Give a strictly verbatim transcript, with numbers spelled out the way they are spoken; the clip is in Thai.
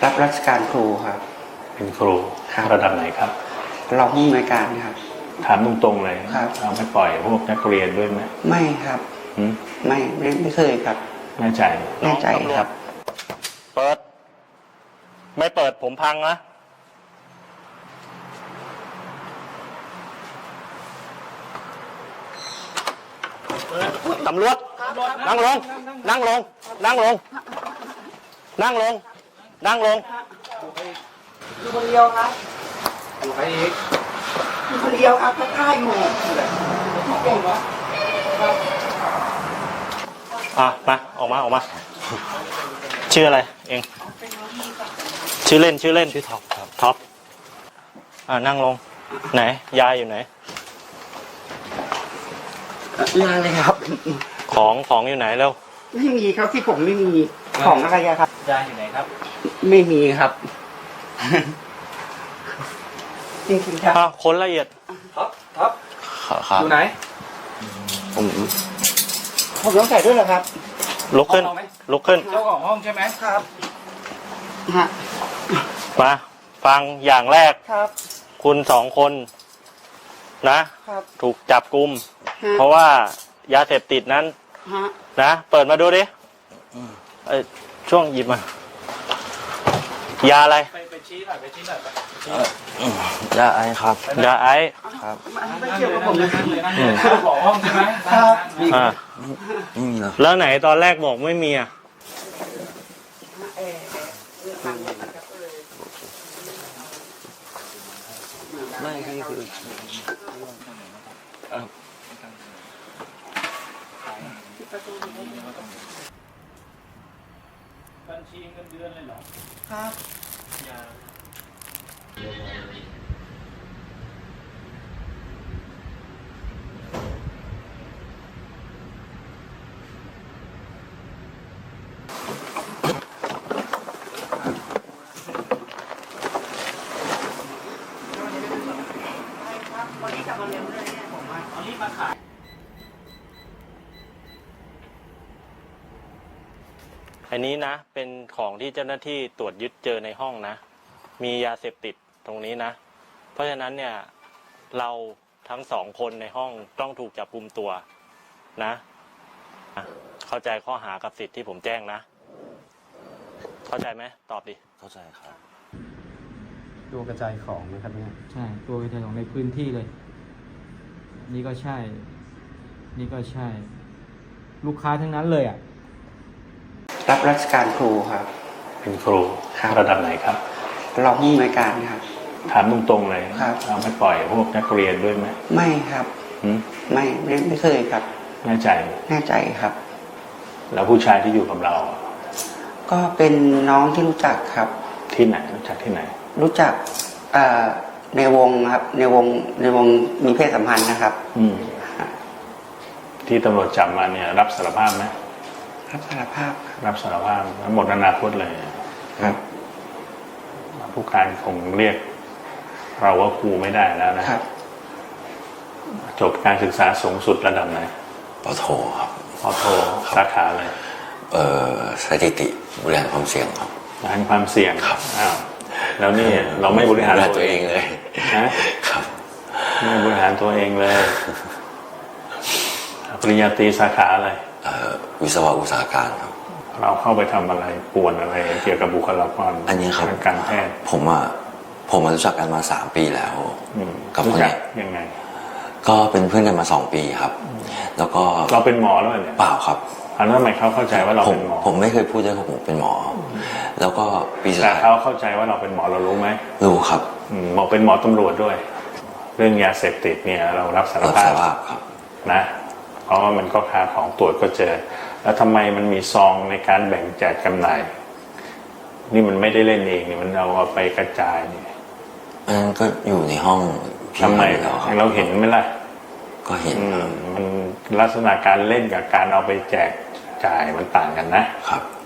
รับราชการครูครับเป็นครูระดับไหนครับรองผู้อำนวยการครับถามตรงๆเลยครับเราไม่ปล่อยพวกนักเรียนด้วยไหมไม่ครับไม่ไม่ไม่เคยครับแน่ใจแน่ใจครับเปิดไม่เปิดผมพังนะตำรวจนั่งลงนั่งลงนั่งลงนั่งลงนั่งลงอยู่คนเดียวครับอยู่ใครอีกอยู่คนเดียวครับถ้าฆ่าอยู่เก่งวะอ่ะมาออกมาออกมาชื่ออะไรเองชื่อเล่นชื่อเล่นชื่อท็อปครับท็อปอ่านั่งลงไหนยายอยู่ไหนยายเลยครับของของอยู่ไหนเร็วไม่มีครับที่ผมไม่มีของอะไรครับยายอยู่ไหนครับไม่มีครับจริงๆครับอ่ะคนละเอียดท็อปท็อปอยู่ไหนผมผมต้องใส่ด้วยเหรอครับลุกขึ้นลุกขึ้นเจ้าของห้องใช่ไหมครับฮะมาฟังอย่างแรกครับคุณสองคนนะครับถูกจับกุมเพราะว่ายาเสพติดนั้นนะเปิดมาดูดิเอ้ช่วงหยิบมายาอะไรไปไปชี้หน่อยไปชี้หน่อยไปยาไอครับยาไอครับไม่เกี่ยวกับผมเลยเจ้าของห้องใช่ไหมครับอ่าไม่มีแล้วไหนตอนแรกบอกไม่มีอ่ะไม่คือบัญชีเงินเดือนเลยเหรอครับวันนี้กลับมาเร็วเลยเนี่ยผมว่าเอารีบมาขายอันนี้นะเป็นของที่เจ้าหน้าที่ตรวจยึดเจอในห้องนะมียาเสพติดตรงนี้นะเพราะฉะนั้นเนี่ยเราทั้งสองคนในห้องต้องถูกจับกุมตัวนะเข้าใจข้อหากับสิทธิ์ที่ผมแจ้งนะเข้าใจไหมตอบดิเข้าใจครับตัวกระจายของนะครับเนี่ยใช่ตัวกระจายของในพื้นที่เลยนี่ก็ใช่นี่ก็ใช่ลูกค้าทั้งนั้นเลยอ่ะรับราชการครูครับเป็นครูระดับไหนครับรองผู้อำนวยการครับถามตรงๆเลยเราไม่ปล่อยพวกนักเรียนด้วยไหมไม่ครับไม่ไม่ไม่เคยครับแน่ใจแน่ใจครับแล้วผู้ชายที่อยู่กับเราก็เป็นน้องที่รู้จักครับที่ไหนรู้จักที่ไหนรู้จักในวงครับในวงในวงมีเพศสัมพันธ์นะครับอืมที่ตำรวจจับมาเนี่ยรับสารภาพไหมรับสารภาพรับสารภาพหมดอนาคตเลยครับผู้การคงเรียกเราว่าครูไม่ได้แล้วนะครับจบการศึกษาสูงสุดระดับไหนปโทครับปโทสาขาอะไรเอ่อสถิติบริหารความเสี่ยงครับบริหารความเสี่ยงครับอ้าวแล้วนี่เราไม่บริหารตัวเองเลยนะครับไม่บริหารตัวเองเลยปริญญาตรีสาขาอะไรวิศวะอุตสาหการครับเราเข้าไปทำอะไรป่วนอะไรเกี่ยวกับบุคลากรอันนี้ครับการแพทย์ผมอ่ะผมมารู้จักกันมาสามปีแล้วกับคนนี้ยังไงก็เป็นเพื่อนกันมาสองปีครับแล้วก็เราเป็นหมอแล้วเนี่ยเปล่าครับอันนั้นทำไมเขาเข้าใจว่าเราเป็นหมอผมไม่เคยพูดเลยว่าผมเป็นหมอแล้วก็ปีสุดท้ายเขาเข้าใจว่าเราเป็นหมอเรารู้ไหมรู้ครับหมอเป็นหมอตำรวจด้วยเรื่องยาเสพติดเนี่ยเรารับสารภาพครับนะเพราะว่ามันก็คาของตรวจก็เจอแล้วทำไมมันมีซองในการแบ่งแจกจำหน่ายนี่มันไม่ได้เล่นเองนี่มันเอาไปกระจายนี่อันนั้นก็อยู่ในห้องทำไมเราเห็นไหมล่ะก็เห็นมันลักษณะการเล่นกับการเอาไปแจกจ่ายมันต่างกันนะครับ